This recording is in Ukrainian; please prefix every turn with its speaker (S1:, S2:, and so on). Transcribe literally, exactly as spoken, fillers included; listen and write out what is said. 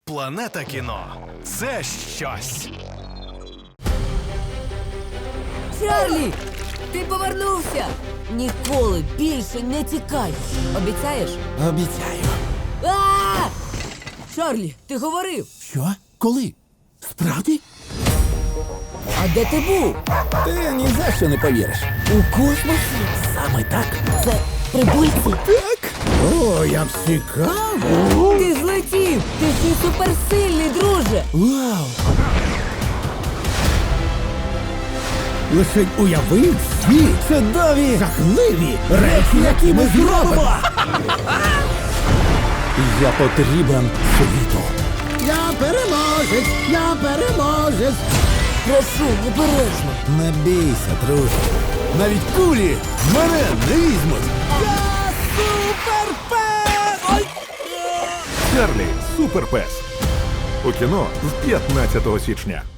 S1: Планета кіно – це щось.
S2: Чарлі! Ти повернувся! Ніколи більше не тікай! Обіцяєш?
S3: Обіцяю.
S2: А! Чарлі, ти говорив!
S3: Що? Коли? Справді?
S2: А де ти був?
S3: Ти ні за що не повіриш.
S2: У космосі?
S3: Саме так.
S2: Це прибульці?
S3: Так? О, як цікаво.
S2: Ти злетів! Ти ще й суперсильний, друже!
S3: Вау! Лише уяви всі чудові, жахливі речі, які ми зробимо. Я потрібен світу. Я переможець, я переможець.
S2: Прошу, обережно!
S3: Не бійся, друже. Навіть кулі мене не візьмуть. Я суперпес! Ой!
S4: Чарлі – суперпес. У кіно з п'ятнадцятого січня.